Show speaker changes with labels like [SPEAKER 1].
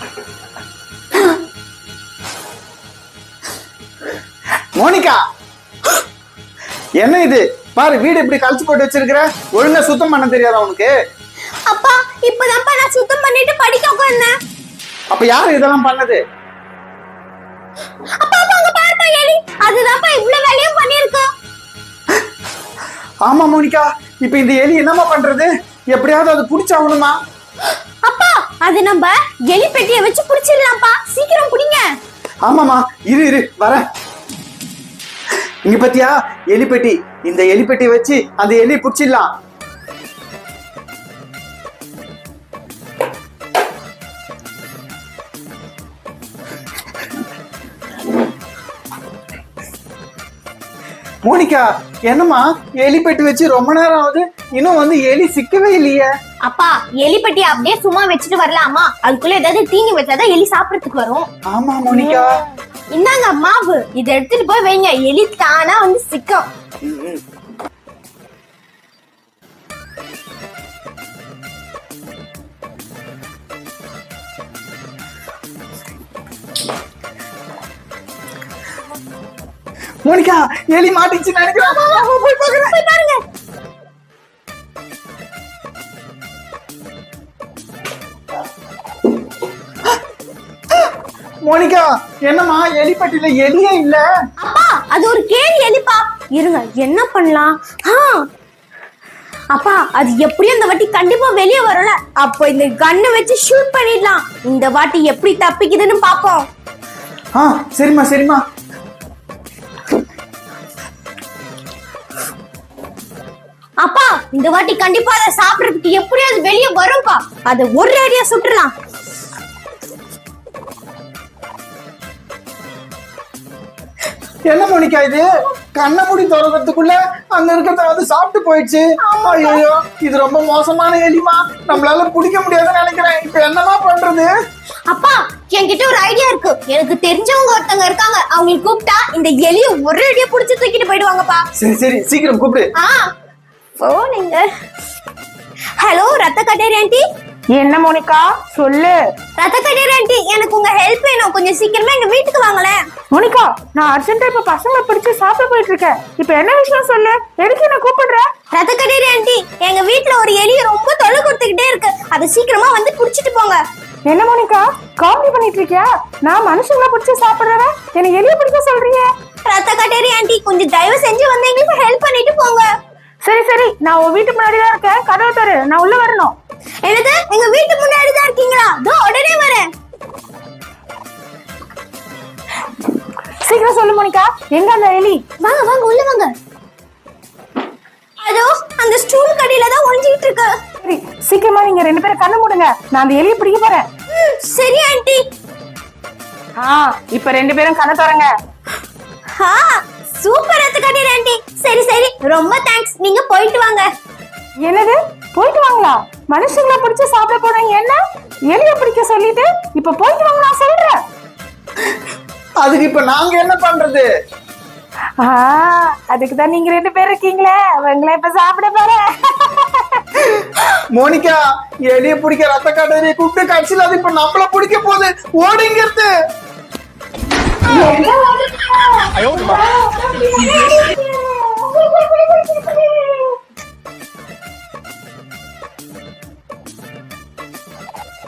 [SPEAKER 1] Monica, என்ன இது பாரு, வீடு இப்படி கழிச்சு போட்டு வச்சிருக்கிற. ஒழுங்கா சுத்தம் பண்ண தெரியாதா உனக்கு?
[SPEAKER 2] அப்பா இப்பதான்ப்பா நான் சுத்தம் பண்ணிட்டு படிக்க உட்கார்ந்தேன்.
[SPEAKER 1] அப்ப யாரு இதெல்லாம் பண்ணது?
[SPEAKER 2] அப்பா அங்க பாருப்பா எலி, அதுதான்ப்பா இவ்வளவு வேலையும் பண்ணிருக்கோம்.
[SPEAKER 1] ஆமா மோனிகா, இப்ப இந்த எலி என்னமா பண்றது? எப்படியாவது அது புடிச்சாகணுமா?
[SPEAKER 2] அப்பா அது நம்ம எலி பெட்டியை வச்சு புடிச்சிடலாம்ப்பா, சீக்கிரம் புடிங்க.
[SPEAKER 1] ஆமாமா, இரு வரேன். இங்க பத்தியா எலிப்பெட்டி, இந்த எலிப்பெட்டியை வச்சு அந்த எலி புடிச்சிடலாம். மோனிகா, என்னம்மா எலிப்பெட்டி வச்சு ரொம்ப நேரம் ஆகுது, இன்னும் வந்து எலி சிக்கவே இல்லையே?
[SPEAKER 2] அப்பா எலி பெட்டி அப்படியே சும்மா வச்சுட்டு வரலாமா? அதுக்குள்ள ஏதாவது தீனி வச்சாதான் எலி சாப்பிடறதுக்கு வரும்.
[SPEAKER 1] ஆமா மோனிகா.
[SPEAKER 2] இந்தாங்க மாவு, இதை எடுத்துட்டு போய் வைங்க, எலி தானா வந்து சிக்கும்.
[SPEAKER 1] மோனிகா, எலி மாட்டிச்சு நினைக்கிறேன். போய் பாருங்க. மோனிகா, என்னம்மா எலிப்பட்டியில எலியே இல்ல?
[SPEAKER 2] அப்பா அது ஒரு கேலி எலிப்பா. இருங்க என்ன பண்ணலாம்? அப்பா அது எப்படியும் இந்த வாட்டி கண்டிப்பா வெளியே வரும்ல, அப்போ இந்த கண்ணை வச்சு ஷூட் பண்ணிடலாம். இந்த வாட்டி எப்படி தப்பிக்குதுன்னு பாப்போம்.
[SPEAKER 1] சரிம்மா.
[SPEAKER 2] அப்பா இந்த வாட்டி கண்டிப்பா அதை சாப்பிடறதுக்கு எப்படியாவது வெளியே வரும்பா. அதை ஒரு அடியா சுட்டுலாம்.
[SPEAKER 1] என்ன மோனிகா இது? கண்ணை மூடி திறக்கிறதுக்குள்ள அங்க இருக்கிறத வந்து சாப்பிட்டு போயிடுச்சு. ஐயோ, இது ரொம்ப மோசமான எலிமா, நம்மளால பிடிக்க முடியாதுன்னு நினைக்கிறேன். இப்ப என்னமா பண்றது?
[SPEAKER 2] அப்பா என்கிட்ட ஒரு ஐடியா இருக்கு. எனக்கு தெரிஞ்சவங்க ஒருத்தங்க இருக்காங்க, அவங்களுக்கு கூப்பிட்டா இந்த எலியை ஒரு அடியா புடிச்சு தூக்கிட்டு போயிடுவாங்கப்பா.
[SPEAKER 1] சரி சீக்கிரம் கூப்பிடு.
[SPEAKER 2] போனீங்க. ஹலோ ரத்த கட்டேரி ஆண்டி.
[SPEAKER 3] என்ன மோனிகா சொல்லு.
[SPEAKER 2] ரத்த கட்டேரி ஆண்டி, எனக்கு உங்க ஹெல்ப் வேணும், கொஞ்சம் சீக்கிரமா எங்க வீட்டுக்கு வாங்களேன்.
[SPEAKER 3] மோனிகா, நான் அர்ஜென்ட்டா இப்ப பசங்களை பிடிச்சு சாப்பிட போயிட்டு இருக்கேன். இப்ப என்ன விஷயம் சொல்லு, எதுக்கு என்ன கூப்பிடுற?
[SPEAKER 2] ரத்த கட்டேரி ஆண்டி, எங்க வீட்டுல ஒரு எலி ரொம்ப தொல்லை கொடுத்துக்கிட்டே இருக்கு, அதை சீக்கிரமா வந்து புடிச்சிட்டு போங்க.
[SPEAKER 3] என்ன மோனிகா காமெடி பண்ணிட்டு இருக்கியா? நான் மனுஷங்களை பிடிச்சு சாப்பிடுறவன் என்ன எலிய பிடிக்க சொல்றீங்க?
[SPEAKER 2] ரத்த கட்டேரி ஆண்டி, கொஞ்சம் தயவு செஞ்சு வந்து எங்களுக்கு ஹெல்ப் பண்ணிட்டு போங்க.
[SPEAKER 3] சரி நான் உன் வீட்டு முன்னாடி தான் இருக்கேன், கதவை தரு, நான் உள்ள வரணும்.
[SPEAKER 2] என்னது, எங்க வீட்டு முன்னாடி தான் இருக்கீங்களா? தோ உடனே வரேன்.
[SPEAKER 3] சீக்கிரம் சொல்லு மோனிகா, எங்க அந்த எலி?
[SPEAKER 2] வாங்க உள்ள வாங்க. அதோ அந்த ஸ்டூல் கடையில தான் ஒளிஞ்சிட்டு இருக்கு.
[SPEAKER 3] சரி சீக்கிரமா நீங்க ரெண்டு பேரும் கண்ணு மூடுங்க, நான் அந்த எலியை பிடிக்க போறேன்.
[SPEAKER 2] சரி ஆண்டி.
[SPEAKER 3] இப்ப ரெண்டு பேரும் கண்ணை தரங்க.
[SPEAKER 2] சூப்பர் ரத்த கட்டேரி ஆண்டி. சரி ரொம்ப தேங்க்ஸ், நீங்க போயிட்டு வாங்க.
[SPEAKER 3] என்னது போயிட்டு வாங்களா? மனுஷங்களை பிடிச்சு சாப்பிட போனீங்க, என்ன எலிய பிடிக்க சொல்லிட்டு இப்ப போயிட்டு வாங்க நான் சொல்றேன்.
[SPEAKER 1] அதுக்கு இப்ப நாங்க என்ன பண்றது?
[SPEAKER 3] அதுக்குதான் நீங்க ரெண்டு பேர் இருக்கீங்களே, உங்களை இப்ப சாப்பிட போறேன்.
[SPEAKER 1] மோனிகா, எலிய பிடிக்க ரத்த காட்டேரியை கூப்பிட்டு கட்சியில் அது இப்ப நம்மள பிடிக்க போகுது. ஓடிங்கிறது.
[SPEAKER 2] என்ன